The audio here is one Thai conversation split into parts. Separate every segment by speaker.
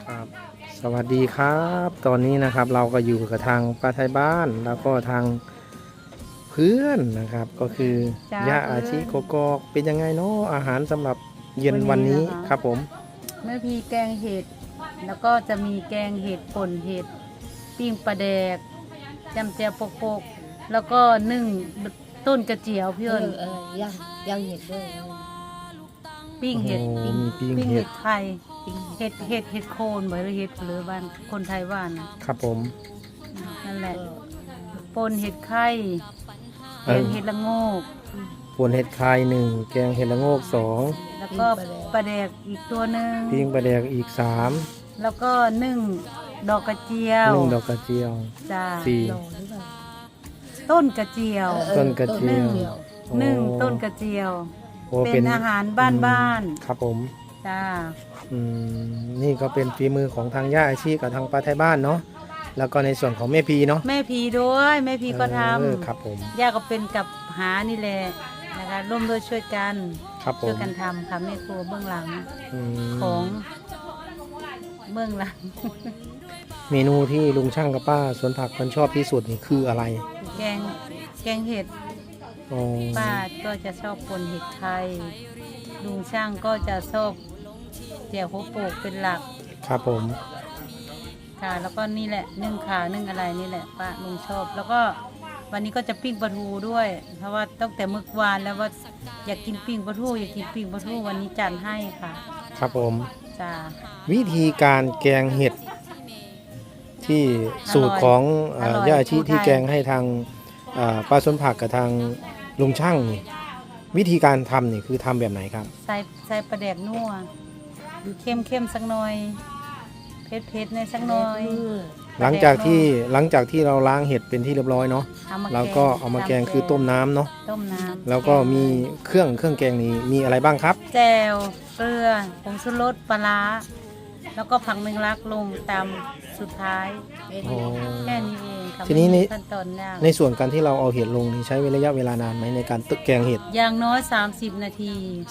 Speaker 1: ครับสวัสดีครับตอนนี้นะครับเราก็อยู่กับทางป้าไทยบ้านแล้วก็ทางเพื่อนนะครับก็คือ
Speaker 2: จ้า
Speaker 1: ย่าอาชี
Speaker 2: เพื่อน
Speaker 1: โกกอกเป็นยังไงเนาะอาหารสำหรับเย็นวันนี้
Speaker 2: นะคะ
Speaker 1: ครับผม
Speaker 2: แม่พีแกงเห็ดแล้วก็จะมีแกงเห็ดป่นเห็ดปิ้งปลาแดกจำเจียวโปกๆแล้วก็นึ่งต้นกระเจียวพี่เอิญ
Speaker 3: ย่างเห็ดด้วย
Speaker 2: ปิ้งเห็ด
Speaker 1: โอ้มีปิ้ง
Speaker 2: ปิ้ง
Speaker 1: เห็
Speaker 2: เห็
Speaker 1: ด
Speaker 2: ดไทยเห็ดโคนเหมือนเห็ดหรือบ้านคนไทยว่านนะครับ
Speaker 1: ผม
Speaker 2: นั่นแหละป่นเห็ดไข่แกงเห็ดละโงก
Speaker 1: ป่นเห็ดคายหนึ่งแกงเห็ดละโงกสอง
Speaker 2: แล้วก็ปลาแดกอีกตัวหนึ่ง
Speaker 1: ปิ้งปลาแดกอีกสาม
Speaker 2: แล้วก็นึ่งดอกกระเจียว
Speaker 1: นึ่งดอกกระเจียว
Speaker 2: จ้า
Speaker 1: สี่
Speaker 3: หล่อหรือเปล่า
Speaker 2: ต้นกระเจียว
Speaker 1: ต้นกระเจียว
Speaker 2: นึ่ง
Speaker 1: โอ้
Speaker 2: ต้นกระเจียว
Speaker 1: โอ้
Speaker 2: เป็นอาหารบ้าน
Speaker 1: ครับผม
Speaker 2: ๆจ้า
Speaker 1: นี่ก็เป็นฝีมือของทางย่าอาชีกับทางป้าไทยบ้านเนาะแล้วก็ในส่วนของแม่พีเนาะ
Speaker 2: แม่พีด้วยแม่พีก็ท
Speaker 1: ครับผม
Speaker 2: ำย่าก็เป็นกับหานี่แหละนะคะร่วมด้วยช่วยกัน
Speaker 1: ครับผ
Speaker 2: ช่วย
Speaker 1: ม
Speaker 2: กันทำค่ะแม่ครัวเบื้องหลัง
Speaker 1: อืม
Speaker 2: ของเบื้องหลัง
Speaker 1: เมนูที่ลุงช่างกับป้าสวนผักคนชอบที่สุดนี่คืออะไร
Speaker 2: แกงเห็ด
Speaker 1: อ๋อ
Speaker 2: ป้าก็จะชอบปนเห็ดไทยลุงช่างก็จะชอบแจ่วหัวโปกเป็นหลัก
Speaker 1: ครับผม
Speaker 2: ค่ะแล้วก็นี่แหละนึ่งขานึ่งอะไรนี่แหละป้าลุงชอบ แล้วก็วันนี้ก็จะปิ้งปลาทูด้วย เพราะว่าตั้งแต่เมื่อวานแล้วว่าอยากกินปิ้งปลาทูอยากกินปิ้งปลาทูวันนี้จัดให้ค่ะ
Speaker 1: ครับผม
Speaker 2: จ้า
Speaker 1: วิธีการแกงเห็ดที่สูตรของ
Speaker 2: อร่อย
Speaker 1: ย่าอาชี
Speaker 2: ภูไทย
Speaker 1: ที่แกงให้ทางป้าสวนผักกับทางลุงช่างนี่วิธีการทำนี่คือทำแบบไหนครับ
Speaker 2: ใส่ปลาแดกนัวเข้มสักหน่อยเผ็ดในสักหน่อย
Speaker 1: หลังจากที่เราล้างเห็ดเป็นที่เรียบร้อยเนาะ
Speaker 2: อม
Speaker 1: เราก็เอามาแกงคือต้มน้ำเนาะ
Speaker 2: ต้มน้ำ
Speaker 1: แล้วก็มีเครื่องแกงนี้มีอะไรบ้างครับ
Speaker 2: แจ่วเกลือผงชูรสปลาร้าแล้วก็ผักแมงลักลงตามสุดท้าย
Speaker 1: อ๋อ
Speaker 2: แค่นี้เองค่ะ
Speaker 1: ทีนี้
Speaker 2: ไม่
Speaker 1: ใน
Speaker 2: มีขั้นตอนยาก
Speaker 1: ในส่วนการที่เราเอาเห็ดลงนี่ใช้ระยะเวลานานไหมในการตึกแกงเห็ด
Speaker 2: อย่างน้อย 30 นาที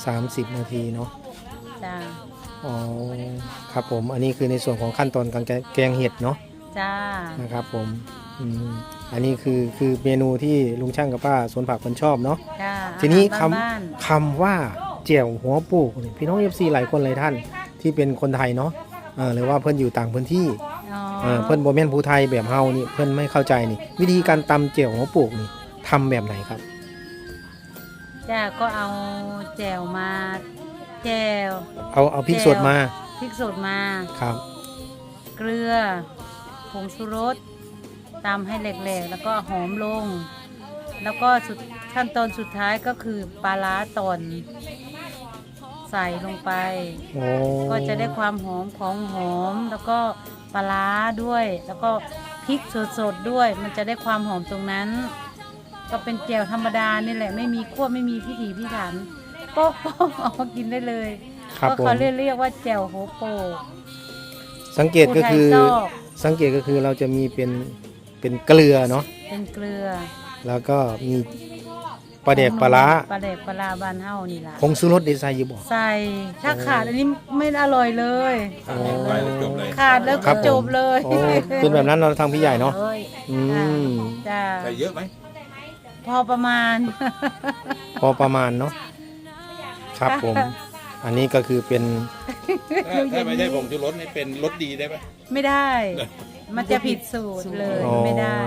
Speaker 1: 30 นาทีเนาะ
Speaker 2: จ้า
Speaker 1: อ๋อครับผมอันนี้คือในส่วนของขั้นตอนการแกงเห็ดเนาะ
Speaker 2: จ้า
Speaker 1: นะครับผมอันนี้คือเมนูที่ลุงช่างกับป้าสวนผักคนชอบเนาะ
Speaker 2: จ้า
Speaker 1: ทีนี้
Speaker 2: อาหารบ้าน
Speaker 1: คำว่าเจียวหัวปูกนี่พี่น้อง FC หลายคนหลายท่านที่เป็นคนไทยเนาะหรือว่าเพื่อนอยู่ต่างพื้นที่
Speaker 2: ๆอ๋อ
Speaker 1: เพื่อนโบแมนผู้ไทยแบบเฮานี่เพื่อนไม่เข้าใจนี่วิธีการตำเจียวหัวปูกนี่ทำแบบไหนครับ
Speaker 2: จ้าก็เอาแจ่วมาแจ่ว
Speaker 1: เอาพริกสดมา
Speaker 2: พริกสดมา
Speaker 1: ครับ
Speaker 2: เกลือผงชูรสตำให้แหลกๆแล้วก็หอมลง แล้วก็ขั้นตอนสุดท้ายก็คือปลาร้าตอนใส่ลงไป
Speaker 1: โอ้
Speaker 2: ก็จะได้ความหอมของหอมแล้วก็ปลาร้าด้วย แล้วก็พริกสดๆด้วย มันจะได้ความหอมตรงนั้น ก็เป็นแจ่วธรรมดานี่แหละไม่มีคั่วไม่มีพิถีพิถันโป๊ะๆเอามากินได้เลย
Speaker 1: ครับ
Speaker 2: ก็
Speaker 1: ผม
Speaker 2: เขาเรียกว่าแจ่วโฮโปก
Speaker 1: สังเกตก็คือ
Speaker 2: ผู้ไทยชอบ
Speaker 1: สังเกตก็คือเราจะมีเป็นเกลือเนาะ
Speaker 2: เป็นเกลือ
Speaker 1: แล้วก็มีปลาแดกปลาร้า
Speaker 2: ปลาแดกปลาร้าบ้านเฮานี่ล่ะ
Speaker 1: ผงชูรสดีไซน์อยู่บ่
Speaker 2: ใส่ถ้าขาดอันนี้ไม่อร่อยเลย
Speaker 1: โอ้
Speaker 2: ขาดแล้ว
Speaker 1: ครั
Speaker 2: ก็
Speaker 1: บผม
Speaker 2: จบเลย
Speaker 1: โอ้เป็นแบบนั้นเราทางพี่ใหญ่เนาะ
Speaker 3: เอ้ย
Speaker 1: อืม
Speaker 2: จ้า
Speaker 4: ใส่เยอะไหม
Speaker 2: พอประมาณ
Speaker 1: พอประมาณเนาะครับผม อันนี้ก็คือเป็น
Speaker 4: ถ้าไม่ใช่ผงชูรสนี่เป็นรสดีได้ไหม
Speaker 2: ไม่ได้ มันจะผิดสูตรเลย
Speaker 1: อ๋อ
Speaker 2: ไม่ได้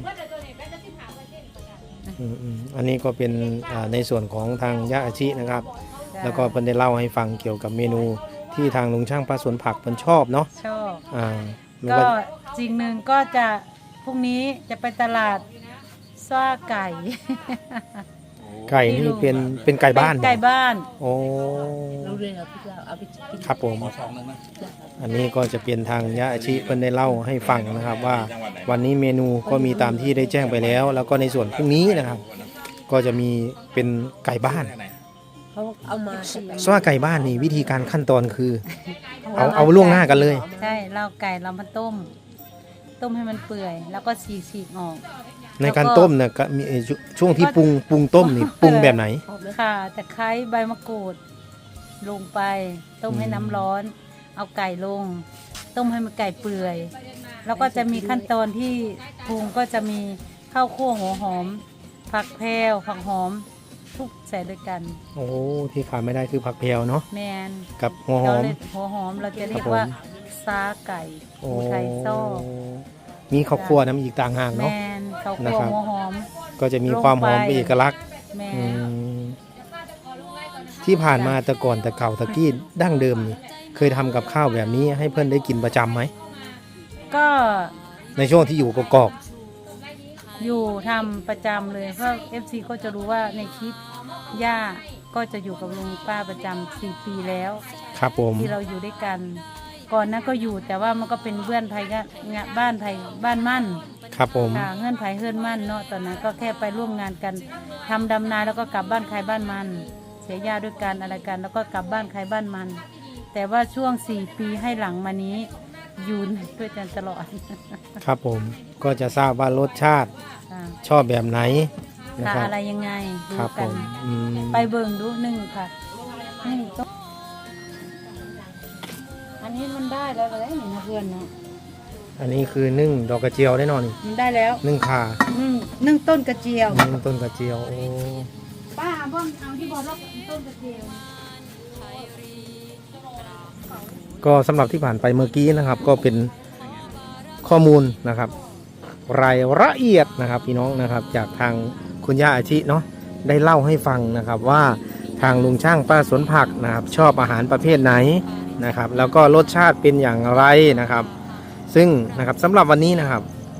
Speaker 1: อันนี้ก็เป็นในส่วนของทางย่าอาชินะครับ
Speaker 2: จ้ะ
Speaker 1: แล้วก็เพิ่นได้เล่าให้ฟังเกี่ยวกับเมนูที่ทางลุงช่างป้าสวนผักเพิ่นชอบเนาะ
Speaker 2: ชอบ
Speaker 1: ไม่
Speaker 2: ก็
Speaker 1: ว่า
Speaker 2: สิ่งหนึ่งก็จะพรุ่งนี้จะไปตลาดซ่าไก่
Speaker 1: ไก่นี่เป็นไก่บ้าน
Speaker 2: ไก่บ้าน
Speaker 1: โอ้
Speaker 3: รู้เลยครับพี่เราเอาไปกิน
Speaker 1: ครับผม
Speaker 4: หมอสองนึงนะ
Speaker 1: อันนี้ก็จะเป็นทางย่าอาชิเพิ่นได้เล่าให้ฟังนะครับว่า
Speaker 4: จังหวัดไหน
Speaker 1: วันนี้เมนูก็มีตามที่ได้แจ้งไปแล้ว แล้วก็ในส่วนพรุ่งนี้นะครับ ก็จะมีเป็นไก่บ้าน
Speaker 4: ไหน
Speaker 3: เขาเอามา
Speaker 1: สว่าไก่บ้านนี่วิธีการขั้นตอนคือ เอาล่วงหน้ากันเลย
Speaker 2: ใช่เราไก่เรามาต้ม ต้มให้มันเปื่อย แล้วก็ฉีกออก
Speaker 1: ในการต้มเนี่ยก็มีช่วงที่ปรุงต้มนี่ปรุงแบบไหน
Speaker 3: หอมไหม
Speaker 2: ค่ะตะไคร้ใบมะกรูด ลงไปต้มให้น้ำร้อน เอาไก่ลงต้มให้มันไก่เปื่อย แล้วก็จะมีขั้นตอนที่ปรุงก็จะมีข้าวคั่วหัวหอมผักแพรวผักหอมทุกใส่ด้วยกัน
Speaker 1: โอ้ที่ขาดไม่ได้คือผักเพลเนาะ
Speaker 2: แมน
Speaker 1: กับหัวหอม
Speaker 2: หัวหอมเราจะเรียก
Speaker 1: ครับผม
Speaker 2: ว่าซาไก่
Speaker 1: โอ้
Speaker 2: ภูไทยซ่อ
Speaker 1: มีข้าวคั่วน้ำอีกต่างหาก
Speaker 2: แม
Speaker 1: เนาะ
Speaker 2: นข้าว
Speaker 1: นะ
Speaker 2: คั่ว
Speaker 1: ครับ
Speaker 2: หัวหอม
Speaker 1: ก็จะมีความหอม
Speaker 2: ลงไป
Speaker 1: เป็นเอกลักษณ์
Speaker 2: แม
Speaker 1: อื
Speaker 2: น
Speaker 1: มที่ผ่านมาแต่ก่อนแต่เก่าตะกี้ดั้งเดิมนี่เคยทำกับข้าวแบบนี้ให้เพื่อนได้กินประจำไหม
Speaker 2: ก็
Speaker 1: ในช่วงที่อยู่กอก
Speaker 2: อยู่ทำประจำเลยเพราะ FC ก็จะรู้ว่าในคลิปย่าก็จะอยู่กับลุงป้าประจำ4 ปีแล้ว
Speaker 1: ๆครับผม
Speaker 2: ที่เราอยู่ด้วยกัน ก่อนนั้นก็อยู่แต่ว่ามันก็เป็นเพื่อนไทยก็งานบ้านไทยบ้านมั่น
Speaker 1: ครับผม
Speaker 2: ค่ะเงื่อนไขเฮือนมั่นเนาะตอนนั้นก็แค่ไปร่วมงานกันทำดำนาแล้วก็กลับบ้านใครบ้านมัน เสียหญ้าด้วยกันอะไรกันแล้วก็กลับบ้านใครบ้านมัน แต่ว่าช่วง4 ปีให้หลังมานี้อยู่ด้วยกันตลอด
Speaker 1: ครับผมก็จะทราบว่ารสชาติ
Speaker 2: ค่ะ
Speaker 1: ชอบแบบไหนนะ
Speaker 2: ค่ะ
Speaker 1: ครับ
Speaker 2: อะไรยังไงดู
Speaker 1: ครับผ
Speaker 2: กัน
Speaker 1: มอืม
Speaker 2: ไปเบิ่งดูหนึ่งค่ะนี่ต้องอันนี้มันได้แล้วก็ได้นี่นะเพื่อนเนาะ
Speaker 1: อันนี้คือนึ่งดอกกระเจียวแน่นอนนี่
Speaker 2: มันได้แล้ว
Speaker 1: นึ่งข่า
Speaker 2: นึ่งต้นกระเจียว
Speaker 1: นึ่งต้นกระเจียวโอ้
Speaker 2: ป้าบ้องเอาที่บอกว่าต้นกระเจียว
Speaker 1: ก็สำหรับที่ผ่านไปเมื่อกี้นะครับ ก็เป็นข้อมูลนะครับ รายละเอียดนะครับพี่น้องนะครับจากทางคุณย่าอาชิเนาะได้เล่าให้ฟังนะครับว่าทางลุงช่างป้าสวนผักนะครับชอบอาหารประเภทไหนนะครับ แล้วก็รสชาติเป็นอย่างไรนะครับ ซึ่งนะครับสำหรับวันนี้นะครับ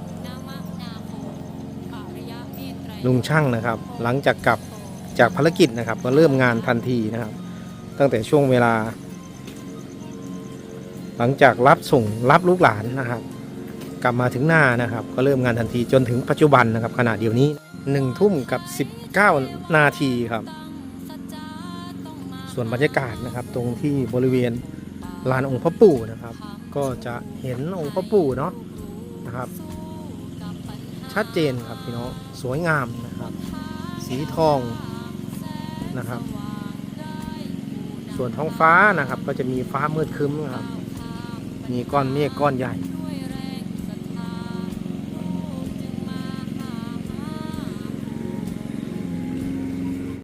Speaker 1: ลุงช่างนะครับ หลังจากกลับจากภารกิจนะครับ ก็เริ่มงานทันทีนะครับ ตั้งแต่ช่วงเวลา หลังจากรับส่งรับลูกหลานนะครับ กลับมาถึงหน้านะครับ ก็เริ่มงานทันทีจนถึงปัจจุบันนะครับขณะเดียวนี้1 ทุ่มกับ19 นาทีครับ ส่วนบรรยากาศนะครับตรงที่บริเวณลานองค์พระปู่นะครับ ก็จะเห็นองค์พระปู่เนาะนะครับ ชัดเจนครับพี่น้องสวยงามนะครับ สีทองนะครับ ส่วนท้องฟ้านะครับ ก็จะมีฟ้ามืดครึ้มนะครับ มีก้อนเมฆก้อนใหญ่